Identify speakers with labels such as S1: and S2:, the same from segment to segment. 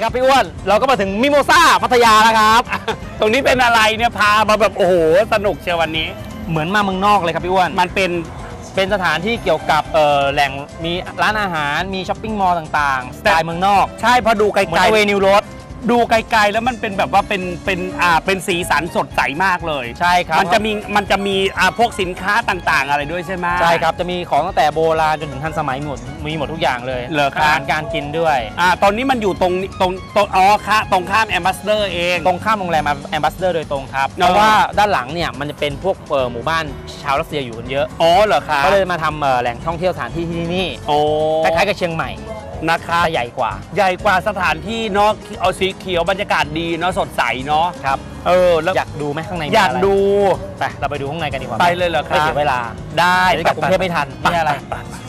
S1: ครับพี่อ้วนเราก็มาถึงมิโมซ่าพัทยาแล้วครับ
S2: ตรงนี้เป็นอะไรเนี่ยพามาแบบโอ้โหสนุกเชียววันนี้
S1: เหมือนมาเมืองนอกเลยครับพี่อ้วน
S2: มันเป็น
S1: เป็นสถานที่เกี่ยวกับแหล่งมีร้านอาหารมีช้อปปิ้งมอลล์ต่างๆสไตล์เมืองนอก
S2: ใช่พอดูไก
S1: เหมือน
S2: ล
S1: เวนิวโรด
S2: ๆดูไกลๆแล้วมันเป็นแบบว่าเป็นสีสันสดใสมากเลย
S1: ใช่ครับ
S2: มันจะมีพวกสินค้าต่างๆ อะไรด้วยใช่ไหม
S1: ใช่ครับจะมีของตั้งแต่โบราณจนถึงทันสมัยมีหมดทุกอย่างเลย
S2: เหรอครับ
S1: อาหารการกินด้วย
S2: ตอนนี้มันอยู่ตรงอ๋อค่ะตรงข้ามแอมบาสเดอร์เอง
S1: ตรงข้ามโรงแรมแอมบาสเดอร์โดยตรงครับเพราะว่าด้านหลังเนี่ยมันจะเป็นพวกหมู่บ้านชาวรัสเซียอยู่กันเยอะ
S2: อ๋อเหรอคะ
S1: ก็เลยมาทำแหล่งท่องเที่ยวสถานที่ที่นี่
S2: โอ้
S1: คล้ายๆกับเชียงใหม่
S2: นะคะ
S1: แต่ใหญ่กว่า
S2: ใหญ่กว่าสถานที่เนาะเอาสีเขียวบรรยากาศดีเนาะสดใสเนาะ
S1: ครับ
S2: แล้ว
S1: อยากดูไหมข้างในมี
S2: อยาก
S1: อะไร
S2: ดู
S1: ไปเราไปดูข้างในกันดีกว่า
S2: ไปเลยเหรอ
S1: ไม่
S2: คะ
S1: เสียเวลา
S2: ได้
S1: เดี๋ยวกลับกรุงเทพไม่ทัน
S2: ไป
S1: นี่อะไร
S2: ไป
S1: ไป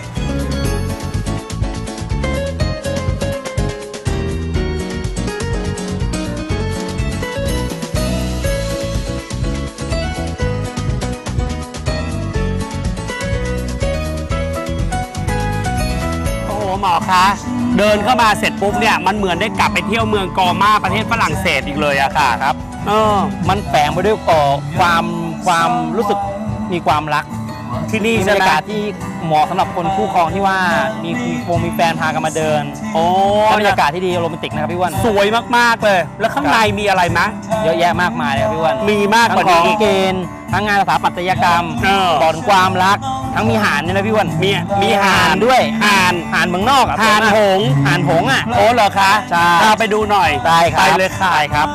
S2: โอ้โหหมอคะเดินเข้ามาเสร็จปุ๊บเนี่ยมันเหมือนได้กลับไปเที่ยวเมืองกอมาประเทศฝรั่งเศสอีกเลยอะค่ะครับ
S1: มันแฝงไปด้วยความรู้สึกมีความรัก
S2: ที่นี่
S1: มีบร
S2: ใช่
S1: ร
S2: ไหม
S1: ยากาศที่เหมาะสำหรับคนคู่ครองที่ว่ามีแฟนพากันมาเดิน
S2: โอ้
S1: และบรรยากาศที่ดีโรแมนติกนะครับพี่อ้วน
S2: สวยมากๆเลย แล้วข้างในมีอะไรมะ
S1: เยอะแยะมากมายเลยครับพี่อ้วน
S2: มีมากก
S1: ทั้
S2: ว่าง
S1: ของ
S2: นี้
S1: เกณฑ์ทั้งงานสถาปัตยกรรม
S2: บ
S1: อนความรัก ทั้งมีห่านเนี่ยนะพี่อ้วน
S2: มีห่าน
S1: ด้วย
S2: ห่าน
S1: ห่านเมืองนอกอ่ะ
S2: ห่านหงส์
S1: ห่านหงส์อ่ะ
S2: โอ้เหรอคะ
S1: ใช่
S2: พาไปดูหน่อย
S1: ได้ครับ
S2: ไปเลยค่ะ
S1: ได้ครับ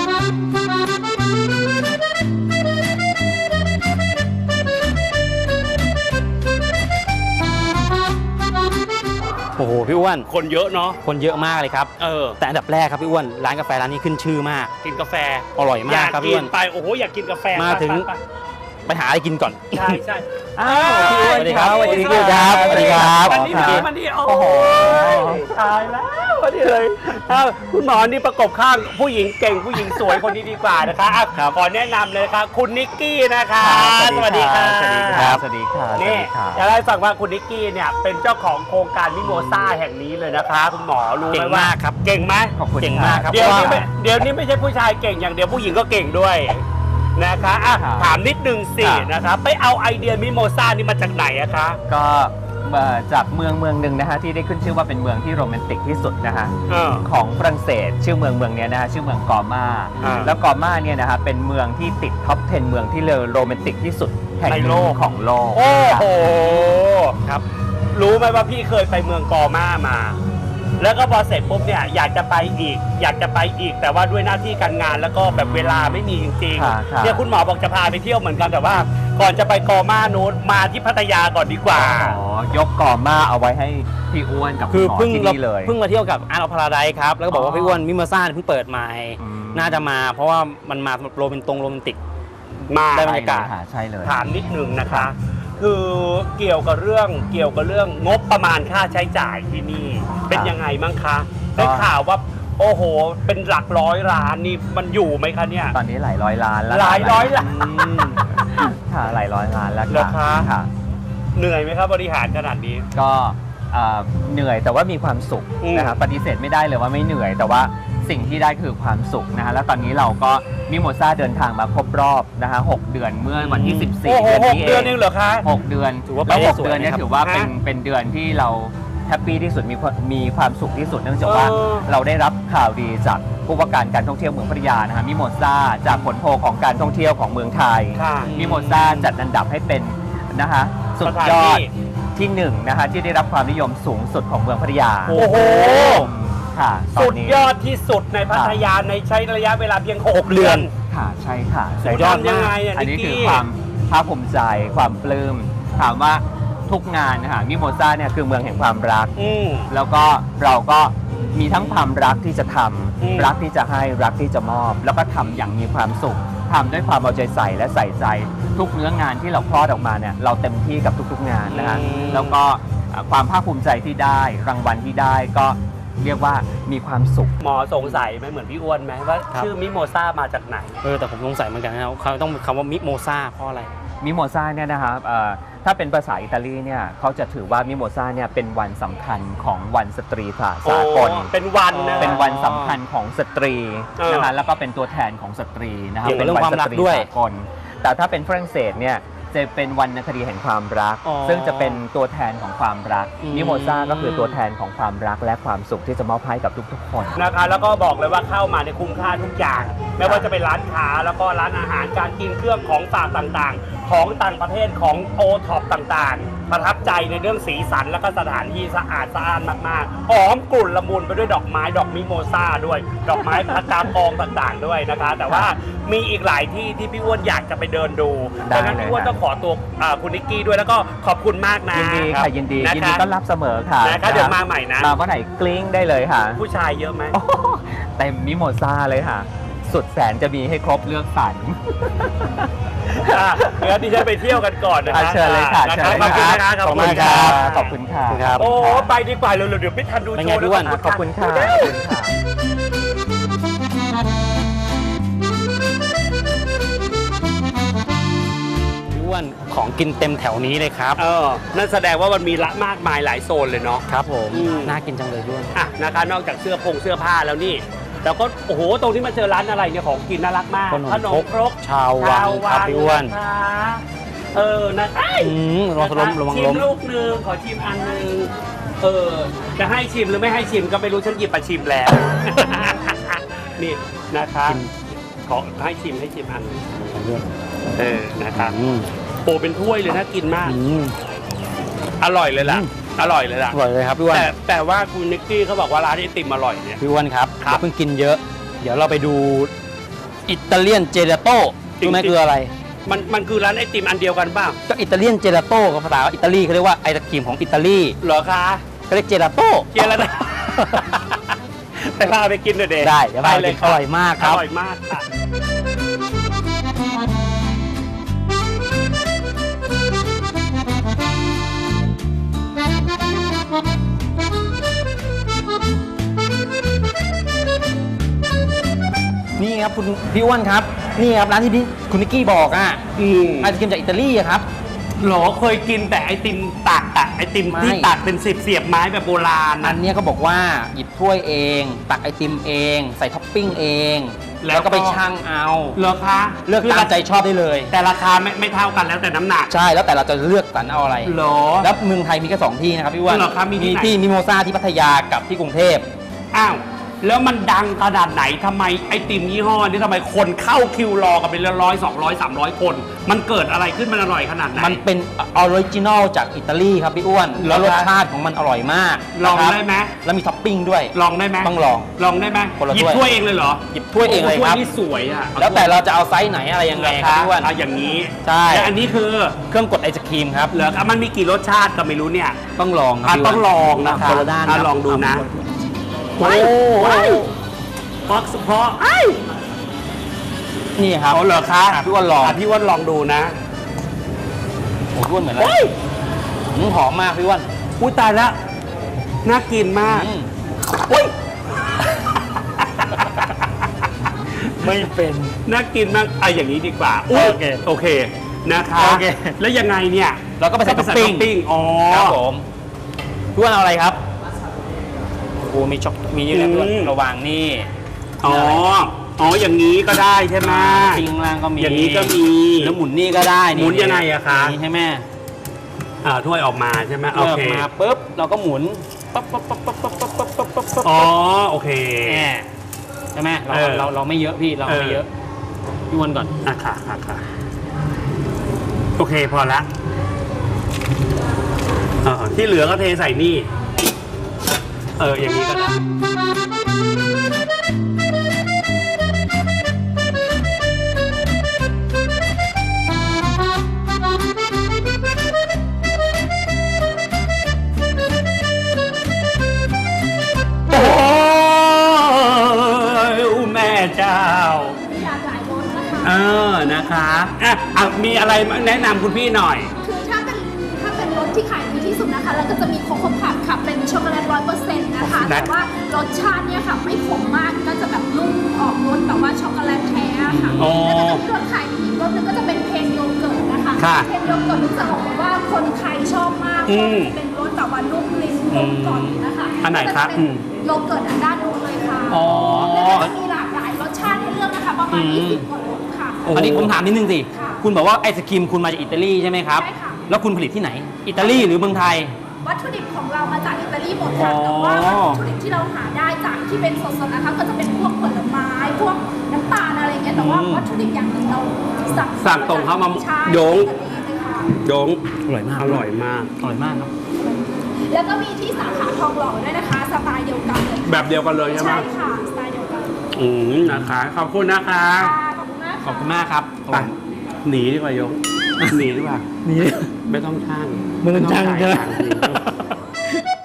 S1: โอ้โหพี่อ้วน
S2: คนเยอะเนาะ
S1: คนเยอะมากเลยครับ แต่อันดับแรกครับพี่อ้วนร้านกาแฟร้านนี้ขึ้นชื่อมาก
S2: กินกาแฟ
S1: อร่อยมากครับ
S2: กิ
S1: พี่อ้วน
S2: ไปโอ้โหอยากกินกาแฟ
S1: มาถึง
S2: ไป
S1: ไปหาอะไรกินก่อน
S2: ใช่ใช่
S1: อ้าวพี่อ้วนสวัสดีครับสวัสดีครับสวัสดีครับ
S2: วันนี้วันนี้โอ้โหตายแล้ววันนี้เลยคุณหมอนี่ประกบข้างผู้หญิงเก่งผู้หญิงสวยคนนี้ดีกว่านะคะขอแนะนำเลยครับคุณนิกกี้นะคะสวัสดีค่ะ
S1: สวัสดีครับ
S3: สวัสดีค่ะ
S2: นี่จะได้ฟังว่าคุณนิกกี้เนี่ยเป็นเจ้าของโครงการมิโมซ่าแห่งนี้เลยนะคะคุณหมอรู้ไหม
S1: เก่ง
S2: ว่าม
S1: ากครับ
S2: เก่งไหม
S3: ขอบคุณ
S1: เก่งมากครับ
S2: เดี๋ยวนี้
S1: เพราะว่า
S2: เดี๋ยวนี้ไม่ใช่ผู้ชายเก่งอย่างเดียวผู้หญิงก็เก่งด้วยนะคะถามนิดนึงสินะคะไปเอาไอเดียมิโมซ่านี่มาจากไหนอะคะ
S3: ก็จากเมืองหนึ่งนะฮะที่ได้ขึ้นชื่อว่าเป็นเมืองที่โรแมนติกที่สุดนะฮะของฝรั่งเศสชื่อเมืองเนี้ยนะฮะชื่อเมืองกอมา แล้วกอมาเนี่ยนะฮะเป็นเมืองที่ติดท็อป 10 เมืองที่โรแมนติกที่สุดแห่งหนึ่งของโลก
S2: โอ้โหครับรู้ไหมว่าพี่เคยไปเมืองกอมามา แล้วก็พอเสร็จปุ๊บเนี่ยอยากจะไปอีกแต่ว่าด้วยหน้าที่การงานแล้วก็แบบเวลาไม่มีจริง
S3: ค่ะ
S2: ๆเนี่ยคุณหมอบอกจะพาไปเที่ยวเหมือนกันแต่ว่า ก่อนจะไปกอมาโน้นมาที่พัทยาก่อนดีกว่า
S3: ยกกอมาเอาไว้ให้พี่อ้วนกับ
S1: คือ
S3: หมอ
S1: เพิ่ง
S3: ที่นี่เลย
S1: เพิ่งมาเที่ยวกับอาร์ตออฟพาราไดซ์ครับแล้วก็บอกว่าพี่อ้วนมิโมซ่าเพิ่งเปิดใหม่
S3: อืม
S1: น่าจะมาเพราะว่ามันมาโรแมนติก
S2: มา
S1: ได้บรรยากาศ
S3: ใช่เลย
S2: ถามนิดนึงนะคะ คือเกี่ยวกับเรื่องงบประมาณค่าใช้จ่ายที่นี่ เป็นยังไงบ้างคะได้ข่าวว่าโอ้โห เป็นหลักร้อยล้านนี่มันอยู่ไหมคะเนี่ย
S3: ตอนนี้หลายร้อยล้านแล้ว
S2: หลายร้อยล้าน
S3: ค่ะหลายร้อยล้านแล้ว
S2: เหรอคะ
S3: ค่ะ
S2: เหนื่อยไหมครับบริหารขนาดนี้
S3: ก็เหนื่อยแต่ว่ามีความสุข
S2: อืม
S3: นะครับปฏิเสธไม่ได้เลยว่าไม่เหนื่อย แต่ว่าสิ่งที่ได้คือความสุขนะฮะแล้วตอนนี้เราก็มิโมซ่าเดินทางมาครบรอบนะฮะ6 เดือนเมื่อวันที่ 14
S2: โอ้โห
S3: เดือน
S2: หก
S3: นี้
S2: เดือน
S3: เอ
S2: เอง งเหรอคะ
S3: 6 เดือน
S1: ถือว่าไป
S3: แล้ว
S1: ได้
S3: 6
S1: สวย
S3: เดือนเนี้
S1: นะครับ
S3: ถือว่าเป็น
S2: ฮะ
S3: เป็นเดือนที่เราแฮปปี้ที่สุดมีความสุขที่สุดเนื่องจากว่า
S2: เออ
S3: เราได้รับข่าวดีจากผู้ว่าการท่องเที่ยวเมืองพัทยานะฮะมิโมซ่าจากผลโพลของการท่องเที่ยวของเมืองไทย
S2: ค่ะ
S3: มิโมซ่าจัดอันดับให้เป็นนะฮะสุดยอดที่หนึ่งนะฮะที่ได้รับความนิยมสูงสุดของเมืองพัทยา
S2: โอ้โห
S3: ค่ะตอ
S2: สุ
S3: น
S2: ด
S3: นี้
S2: ยอดที่สุดในพัทยาในใช้ระยะเวลาเพียง 6 เดือน
S3: ค่ะใช่ค่ะ
S1: สุดยอด
S2: ทำยังไงอ่ะ
S3: อัน
S2: นิ
S3: นี้
S2: ก
S3: คือ
S2: กี้
S3: ความภาคภูมิใจความปลื้มถามว่าทุกงานนะคะมิโมซ่าเนี่ยคือเมืองแห่งความรัก
S2: อืม
S3: แล้วก็เราก็มีทั้งความรักที่จะท
S2: อืม
S3: ำรักที่จะให้รักที่จะมอบ แล้วก็ทำอย่างมีความสุขทำด้วยความเอาใจใส่และใส่ใจทุกเนื้องานที่เราคลอดออกมาเนี่ยเราเต็มที่กับทุกๆงานนะฮะแล้วก็ความภาคภูมิใจที่ได้รางวัลที่ได้ก็เรียกว่ามีความสุข
S2: หมอสงสัยไหมเหมือนพี่อ้วนไหมว่าชื่อมิโมซ่ามาจากไหน
S1: แต่ผมสงสัยเหมือนกันนะครับเขาต้องคำว่ามิโมซ่าเพราะอะไร
S3: มิโมซาเนี่ยนะครับถ้าเป็นภาษาอิตาลีเนี่ยเขาจะถือว่ามิโมซาเนี่ยเป็นวันสำคัญของวันสตรีสากล
S2: เป็นวันนะ
S3: เป็นวันสำคัญของสตรีนะคะแล้วก็เป็นตัวแทนของสตรีนะครับ
S1: เกี่ยวกับ
S3: เป็น
S1: เรื่อง
S3: วั
S1: ความรั
S3: ส
S1: ก
S3: ตรี
S1: ด้วย
S3: สากลแต่ถ้าเป็นฝรั่งเศสเนี่ยจะเป็นวรรณคดีแห่งความรัก
S1: อ๋อ
S3: ซึ่งจะเป็นตัวแทนของความรัก
S1: อืม
S3: มิโมซาก็คือตัวแทนของความรักและความสุขที่จะมอบให้กับทุกๆคน
S2: นะคะแล้วก็บอกเลยว่าเข้ามาในคุ้มค่าทุกอย่าง ไม่ว่าจะเป็นร้านค้าแล้วก็ร้านอาหารการกินเครื่องของฝากต่างๆ ของต่างประเทศของโอท็อปต่างๆ ประทับใจในเรื่องสีสันแล้วก็สถานที่สะอาดสะอ้านมากๆหอมกลุ่นละมุนไปด้วยดอกไม้ดอกมิโมซาด้วย ดอกไม้ประจำกองต่างๆด้วยนะคะ แต่ว่ามีอีกหลายที่ที่พี่อ้วนอยากจะไปเดินดู
S3: ได้
S2: ดังนั้นพี่อ้วน
S3: เลยครับ
S2: ต้องขอตัวคุณนิกกี้ด้วยแล้วก็ขอบคุณมากนะ
S3: ยินดีค่ะยินดี
S2: นะ
S3: ยินดี
S2: คะ
S3: ต้อนรับเสมอค่ะ
S2: นะคะเดี๋ยวมาใหม่นะ
S3: มาเมื่อไหร่กลิ้งได้เลยค่ะ
S2: ผู้ชายเยอะไหม
S3: โอ้โหเต็มมิโมซาเลยค่ะ สุดแสนจะมีให้ครบเลือกสรร
S2: เดี๋ยวดิฉันไปเที่ยวกันก่อนนะ
S3: อ่ะ
S2: คะ
S3: เชิญเลยค่ะ
S2: นะ
S3: เชิญ
S2: ขอบคุณ
S3: เลย
S2: นะคะ
S3: ขอบคุณค่ะขอบคุณค่ะ
S1: ครับ
S2: โอ้ไปดีกว่าเร็วๆเดี๋ยวไม่ทันดู
S1: เป็น
S2: โช
S1: ไง
S2: ว์
S1: พี่อ้วน
S3: ขอบคุณค่ะขอบคุณค่ะ
S1: พี่อ้วนของกินเต็มแถวนี้เลยครับ
S2: นั่นแสดงว่ามันมีละมากมายหลายโซนเลยเนาะ
S1: ครับผม
S2: อืม
S1: น่ากินจังเลยพี่อ้วน
S2: อ่ะนะคะนอกจากเสื้อผ้าแล้วนี่แล้วก็โอ้โหตรงที่มาเจอร้านอะไรเนี่ยของกินน่ารักมาก
S1: ขนมครกชาววังครับพี่อ้วน
S2: นะคะนะไอ้
S1: ระวังล้มระวัง
S2: ชิ
S1: ล้
S2: ม
S1: ม
S2: ลูกหนึ่งขอชิมอันหนึ่งจะให้ชิมหรือไม่ให้ชิมก็ไม่รู้ฉันหยิบมาชิมแล้ว นี่นะคะขอให้ชิมอันหนึ่งนะครับ โอ้เป็นถ้วยเลยน่ากินมาก อร่อยเลยล่ะ อร่อยเลยล่ะ
S1: อร่อยเลยครับพี่อ้วน
S2: แต่ว่าคุณนิกกี้เขาบอกว่าร้านไอติมอร่อยเนี่ย
S1: พี่อ้วนครับ
S2: ครับ
S1: อย่าเพิ่งกินเยอะ เดี๋ยวเราไปดูอิตาเลียนเจลาโต้
S2: จริงๆ
S1: รู้ไหมคืออะไร
S2: มันคือร้านไอติมอันเดียวกันเปล่า
S1: ก็อิตาเลียนเจลาโต้กับภาษาอิตาลีเขาเรียกว่าไอศกรีมของอิตาลี
S2: เหรอคะ
S1: เขาเรียกเจลาโต้
S2: เกียร์แล้วนะ ไปพาไปกินหน่อยเด็
S1: ได้เดี๋ยวพาไปกินอร่อยมากครับ
S2: อร่อยมากค่ะ
S1: นี่ครับคุณพี่อ้วนครับ นี่ครับร้านที่คุณนิกกี้บอกอ่ะไอศกรีมจากอิตาลีอะครับ
S2: หรอเคยกินแต่ไอติมตักอะไอติมที่
S1: ไม่
S2: ตักเป็นเสียบไม้แบบโบราณ
S1: อั
S2: นะ
S1: นเนี้ยก็บอกว่าหยิบถ้วยเอง ตักไอติมเอง ใส่ท็อปปิ้งเอง
S2: แล้ว
S1: แล้วก็ไปชั่งเอา
S2: เหรอคะ
S1: เลือกตามใจชอบได้เลย
S2: แต่ราคาไม่เท่ากันแล้วแต่น้ำหนัก
S1: ใช่แล้วแต่เราจะเลือกสรรเอาอะไร
S2: เหรอ
S1: แล้วเมืองไทยมีแค่2ที่นะครับพี่อ้วน
S2: เหรอครับมีที่ไหน
S1: ที่มิโมซาที่พัทยากับที่กรุงเทพ
S2: อ้าวแล้วมันดังขนาดไหนทำไมไอติมยี่ห้อนี้ทำไมคนเข้าคิวรอกันเป็น100 200 300 คน มันเกิดอะไรขึ้นมันอร่อยขนาดไหน
S1: มันเป็นออริจินอลจากอิตาลีครับพี่อ้วน
S2: เหรอ
S1: แล้วรสชาติของมันอร่อยมาก
S2: ลอง
S1: นะครับ
S2: ได้ไหม
S1: แล้วมีท็อปปิ้งด้วย
S2: ลองได้ไหม
S1: ต้องลอง
S2: ลองได้ไหม
S1: คนละ
S2: หยิบ
S1: ถ้วย
S2: ถ้วยเองเลยเหรอ
S1: หยิบถ้วยเองเลยครับ
S2: ถ้วยนี่สวยอ่ะ
S1: แล้วแต่เราจะเอาไซส์ไหนอะไรยังไงครับพี่อ้วน
S2: เอาอย่างนี้
S1: ใช่
S2: และอันนี้คือ
S1: เครื่องกดไอศครีมครับ
S2: เหลือมันมีกี่รสชาติก็ไม่รู้เนี่ย
S1: ต้องลองครับพี่
S2: ต้องลองนะ
S1: ค
S2: คะ
S1: คนละด้าน
S2: ลองดูนะ
S1: โอ้
S2: เพราะเพราะ
S1: นี่ครับ
S2: เอาเหรอคะ
S1: พี่อ้วนลอง
S2: พี่อ้วนลองดูนะ
S1: โอ้พี่อ้วนเหมือนอะไรหอมมากพี่อ้วน
S2: อุ้ยตายแล้วน่ากินมาก
S1: อืม
S2: อุ้ย
S1: ไม่เป็น
S2: น่ากินมากอย่างนี้ดีกว่าอุ๊ยโอเคนะคะ
S1: โอเค
S2: แล้วยังไงเนี่ย
S1: เราก็ไปใส่ท็อปปิ้ง
S2: อ๋อ
S1: ครับผมพี่อ้วนเอาอะไรครับโอ้มีช็อกมีนี่แหละพี่อ้วนระหว่างนี่
S2: อ๋ออย่างนี้ก็ได้ใช่ไหม
S1: ปิ้งล่างก็มี
S2: อย่างนี้ก็มี
S1: แล้วหมุนนี่ก็ได้
S2: หมุนยังไงอะคะ
S1: อย่างนี้ใช่ไหม
S2: ถ้วยออกมาใช่ไหมโอ
S1: เลือก
S2: เค
S1: มาปุ๊บเราก็หมุนปั๊บปั๊บปั๊บปั๊บปั๊บปั๊บปั๊บปั๊บปั๊บปั๊บ
S2: อ๋อโอเค
S1: ใช่ไหมเรา
S2: เออ
S1: เราไม่เยอะพี่เราไม่เยอะพี่อ้วนก่อน
S2: ค่ะโอเคพอละที่เหลือก็เทใส่นี่อย่างนี้ก็ได้โอ้ยแม่เจ้า
S4: อยากหลายรสนะคะ
S2: นะคะมีอะไรแนะนำคุณพี่หน่อย
S4: คือถ้าเป็นรสที่ขายดีที่สุดนะคะ แล้วก็จะมีโคโค่พับค่ะ เป็นช็อกโกแลต100%นะคะ
S2: นะ
S4: แต่ว่ารสชาติเนี่ยค่ะไม่ขมมาก ก็จะแบบนุ่มออกรสแบบว่าช็อกโกแลตแท้ค่ะ
S2: อ๋อ
S4: แล้วก็จะมีรสขายดีอีกรสหนึงก็จะเป็นเพนโยเกิร์ตนะคะ
S2: ค่ะ
S4: เทนโยเกิร์ตนี่จะบอกเลยว่าคนไทยชอบมาก
S2: อืม
S4: เป็นรสแบบว่านุ่มลิ้นกลมกล่อมนะคะ
S2: อันไหนคะ
S4: ก็จเป็นโยเกิร์ตอันด้านนู้นเลยค่ะ
S1: อ๋อ
S4: แล้วก็จะมีหลากหลายรสชาติให้เลือกนะคะประมาณ 20 กว่ารสค่ะ
S2: โอ้โห
S1: อันนี้ผมถามนิดนึงสิ
S4: ค่ะ
S1: คุณบอกว่าไอศครีมคุณมาจากอิตาลีใช่ไหมครับ
S4: ใช่ค่ะ
S1: แล้วคุณผลิตที่ไหน อิตาลีหรือเมืองไทย
S4: วัตถุดิบของเรามาจากอิตาลีหมดค่ะ
S1: อ๋อ
S4: แต่ว่าวัตถุดิบที่เราหาได้จากที่เป็นสดๆนะคะ ก็จะเป็นพวกผลไม้ พวกน้ำตาลอะไรอย่างเงี้ย แต่ว่าวัตถุดิบอย่างอื่นเราสั่ง
S2: ตรงเข้ามา
S4: ใช่
S2: โยง
S4: อิตาลีเลยค่ะ
S2: โยง
S1: อร่อยมาก
S2: อร่อยมาก
S1: อร่อยมากครับ
S4: แล้วก็มีที่สาขาทองหล่อด้วยนะคะ สไตล์เดียวกันเลยค่ะ
S2: แบบเดียวกันเลยใช่ไหม
S4: ใช่ค่ะ สไตล์เดียวกัน
S2: นะคะ ขอบคุณนะคะ
S4: ค่ะขอบคุณมาก
S1: ขอบคุณมากครับ
S2: ไปหนีดีกว่าโยงหนีดีกว่า
S1: นี่
S2: ไม่ต้องช่าง
S1: มึงช่างใช่ไหม
S2: ไม่ต้องจ่ายตังค์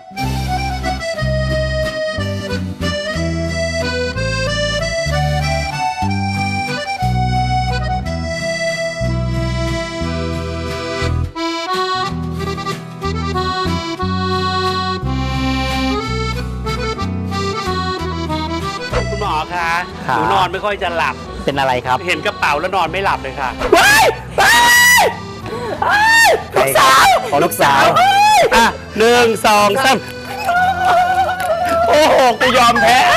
S2: คุณหมอคะ
S1: ครั
S2: ห
S1: บ
S2: นูนอนไม่ค่อยจะหลับ
S1: เป็นอะไรครับ
S2: เห็นกระเป๋าแล้วนอนไม่หลับเลยค่ะ
S1: ลูกสาวของลูกสาว
S2: อ่ะ1 2 3โอ้โหกูยอมแพ้